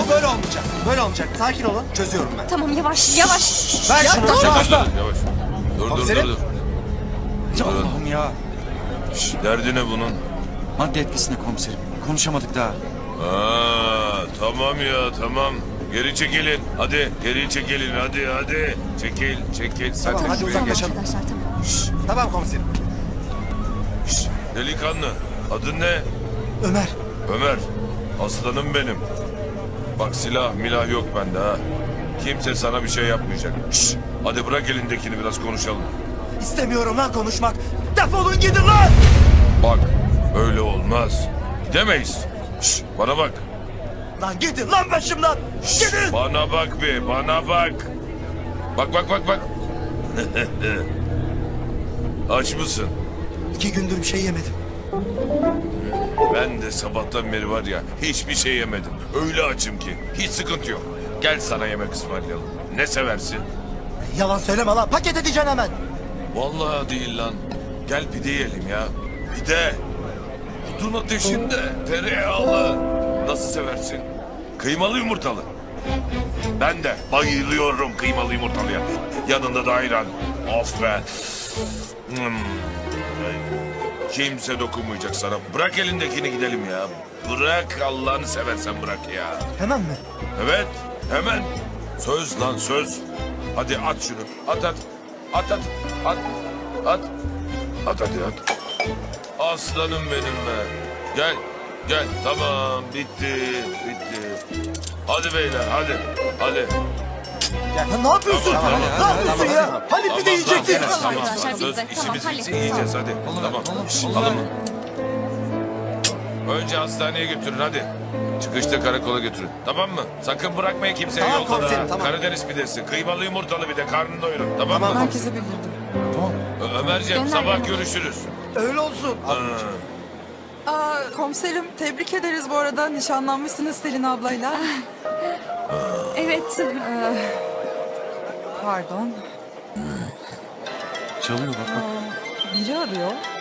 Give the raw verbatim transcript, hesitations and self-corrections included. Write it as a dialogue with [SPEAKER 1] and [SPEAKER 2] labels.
[SPEAKER 1] Bu böyle olmayacak. Böyle olmayacak. Sakin olun. Çözüyorum ben.
[SPEAKER 2] Tamam yavaş yavaş.
[SPEAKER 1] Ver şunu.
[SPEAKER 3] Dur,
[SPEAKER 1] Yavaş.
[SPEAKER 3] dur, yavaş. Dur, dur,
[SPEAKER 1] Komiserim.
[SPEAKER 3] dur, dur.
[SPEAKER 4] Allah'ım ya.
[SPEAKER 3] Şş, derdi ne bunun?
[SPEAKER 4] Madde etkisine komiserim. Konuşamadık daha.
[SPEAKER 3] Aa, tamam ya, tamam. Geri çekilin. Hadi, geri çekilin. Hadi, hadi. Çekil, çekil. Sen
[SPEAKER 1] Tamam,
[SPEAKER 3] tek
[SPEAKER 1] hadi
[SPEAKER 3] şuraya
[SPEAKER 1] uzak
[SPEAKER 3] geç.
[SPEAKER 1] geçelim.
[SPEAKER 2] Arkadaşlar tamam.
[SPEAKER 1] Tamam komiserim.
[SPEAKER 3] Şş, delikanlı. Adın ne?
[SPEAKER 1] Ömer.
[SPEAKER 3] Ömer. Aslanım benim. Bak silah milah yok bende ha. Kimse sana bir şey yapmayacak. Şş, hadi bırak elindekini biraz konuşalım.
[SPEAKER 1] İstemiyorum lan konuşmak. Defolun gidin lan.
[SPEAKER 3] Bak öyle olmaz. Gidemeyiz. Şş, bana bak.
[SPEAKER 1] Lan gidin lan başımdan. Gidin.
[SPEAKER 3] Bana bak be, bana bak. Bak bak bak bak. Aç mısın?
[SPEAKER 1] İki gündür bir şey yemedim.
[SPEAKER 3] Ben de sabahtan beri var ya hiçbir şey yemedim. Öyle açım ki hiç sıkıntı yok. Gel sana yemek ısmarlayalım. Ne seversin?
[SPEAKER 1] Yalan söyleme lan. Paket edeceksin hemen.
[SPEAKER 3] Vallahi değil lan. Gel pide yiyelim ya. Pide. Odun ateşinde tereyağlı. Nasıl seversin? Kıymalı yumurtalı. Ben de bayılıyorum kıymalı yumurtalıya. Yanında da ayran. Of be. Hmm. Kimse dokunmayacak sana. Bırak elindekini gidelim ya. Bırak Allah'ını seversen bırak ya.
[SPEAKER 1] Hemen mi?
[SPEAKER 3] Evet hemen. Söz lan söz. Hadi at şunu. At at. At at. At. At. At hadi at. Aslanım benim be. Gel. Gel. Tamam bitti. Bitti. Hadi beyler hadi. Hadi.
[SPEAKER 1] Ya ne yapıyorsun?
[SPEAKER 3] Tamam,
[SPEAKER 1] ne yapıyorsun ya? Hani pide yiyecektik.
[SPEAKER 3] Tamam,
[SPEAKER 2] Tamam,
[SPEAKER 3] tamam,
[SPEAKER 2] arkadaşlar, biz
[SPEAKER 3] Söz
[SPEAKER 2] de, tamam,
[SPEAKER 3] işimiz
[SPEAKER 2] hallettik,
[SPEAKER 3] bitsin yiyeceğiz
[SPEAKER 2] tamam.
[SPEAKER 3] hadi. Tamam. Şşş, alın mı? Önce hastaneye götürün hadi. Çıkışta karakola götürün. Tamam mı? Sakın bırakmayın kimseyi
[SPEAKER 1] Tamam
[SPEAKER 3] yolda da.
[SPEAKER 1] komiserim, tamam.
[SPEAKER 3] Karadeniz pidesi, kıymalı yumurtalı bir de karnını doyurun. Tamam,
[SPEAKER 1] Tamam.
[SPEAKER 3] mı?
[SPEAKER 5] Herkese bildirdim.
[SPEAKER 3] Ö- Ömerciğim
[SPEAKER 2] Gönder
[SPEAKER 3] sabah
[SPEAKER 2] beni.
[SPEAKER 3] görüşürüz.
[SPEAKER 1] Öyle olsun.
[SPEAKER 3] Ha.
[SPEAKER 5] Aa, komiserim tebrik ederiz bu arada. Nişanlanmışsınız Selin ablayla.
[SPEAKER 2] Evet.
[SPEAKER 5] Pardon.
[SPEAKER 4] Çalıyor bak bak.
[SPEAKER 5] Biri arıyor.